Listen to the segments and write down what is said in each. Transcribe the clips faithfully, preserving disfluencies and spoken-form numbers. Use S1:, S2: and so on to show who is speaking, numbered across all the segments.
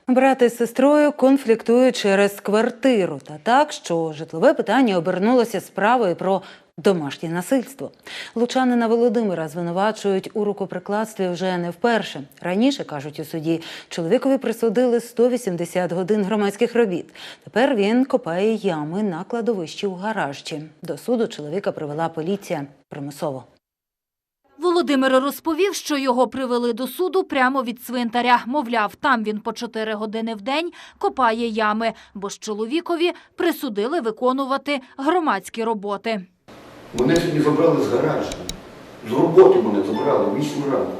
S1: Брат із сестрою конфліктують через квартиру. Та так, що житлове питання обернулося справою про домашнє насильство. Лучанина Володимира звинувачують у рукоприкладстві вже не вперше. Раніше, кажуть у суді, чоловікові присудили сто вісімдесят годин громадських робіт. Тепер він копає ями на кладовищі у Гаражчі. До суду чоловіка привела поліція примусово.
S2: Володимир розповів, що його привели до суду прямо від цвинтаря. Мовляв, там він по чотири години в день копає ями, бо ж чоловікові присудили виконувати громадські роботи.
S3: Мене сьогодні забрали з гаражу. З роботи мене забрали, вісім ранку.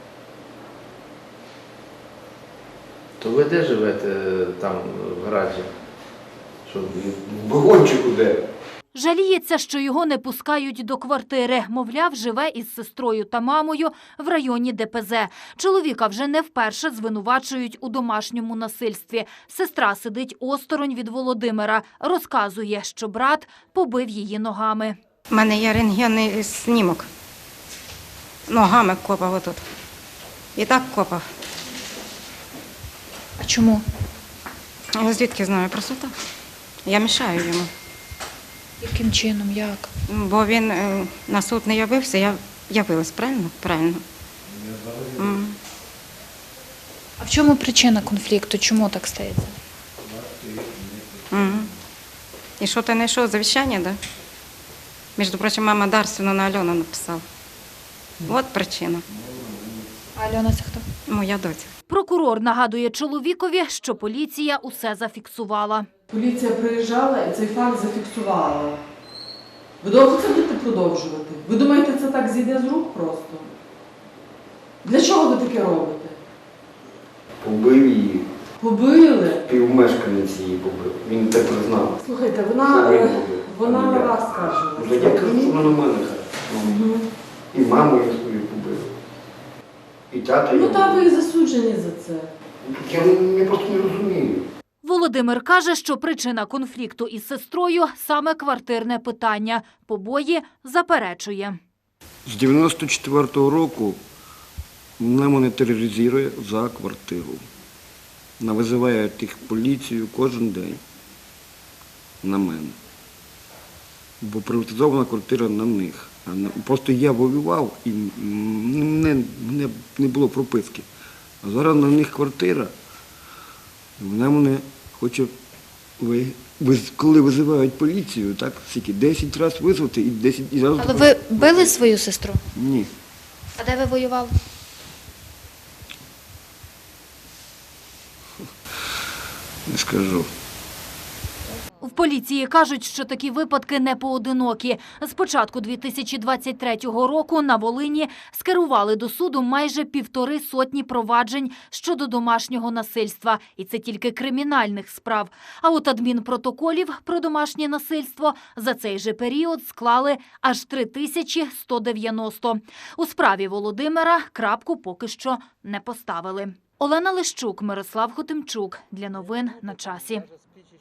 S4: То ви де живете там в гаражі? Що?
S3: В вагончику де?
S2: Жаліється, що його не пускають до квартири. Мовляв, живе із сестрою та мамою в районі Де Пе Зе. Чоловіка вже не вперше звинувачують у домашньому насильстві. Сестра сидить осторонь від Володимира. Розказує, що брат побив її ногами.
S5: У мене є рентгенний снімок. Ногами копав отут. І так копав.
S6: А чому?
S5: Я звідки знаю? Просто так. Я мішаю йому.
S6: Яким чином, як?
S5: Бо він е, на суд не явився, я явилась, правильно? Правильно. Mm.
S6: А в чому причина конфлікту? Чому так стається?
S5: Mm. І що ти знайшов? Завіщання, так? Да? Між прочим, мама Дарсіну на Альону написала. От причина.
S6: А Альона це хто?
S5: Моя доця.
S2: Прокурор нагадує чоловікові, що поліція усе зафіксувала.
S7: Поліція приїжджала і цей факт зафіксувала. Ви довго це будете продовжувати? Ви думаєте, це так зійде з рук просто? Для чого ви таке робите?
S3: Побив її.
S7: Побили?
S3: Півмешканець її побив. Він так признав.
S7: Слухайте, вона, е, вона на вас скаржилася.
S3: Вже я кажу, вона на мене каже.
S7: Угу.
S3: І маму я свою побив. І тата
S7: Ну
S3: його
S7: та ви
S3: побив.
S7: і засуджені за це.
S3: Я, я просто не розумію.
S2: Володимир каже, що причина конфлікту із сестрою – саме квартирне питання. Побої заперечує.
S3: З дев'яносто четвертого року вона мене тероризує за квартиру. Вона визиває тих поліцію кожен день на мене. Бо приватизована квартира на них. А на- Просто я воював і мене, мене не було прописки. А зараз на них квартира. І вона мене хоче, ви, виз- коли визивають поліцію, так, скільки, десять разів визвати і десять і разів...
S6: Але ви били свою сестру?
S3: Ні.
S6: А де ви воювали?
S3: Не скажу.
S2: В поліції кажуть, що такі випадки не поодинокі. З початку дві тисячі двадцять третього року на Волині скерували до суду майже півтори сотні проваджень щодо домашнього насильства. І це тільки кримінальних справ. А от адмінпротоколів про домашнє насильство за цей же період склали аж три тисячі сто дев'яносто. У справі Володимира крапку поки що не поставили. Олена Лищук, Мирослав Хотимчук. Для новин на часі.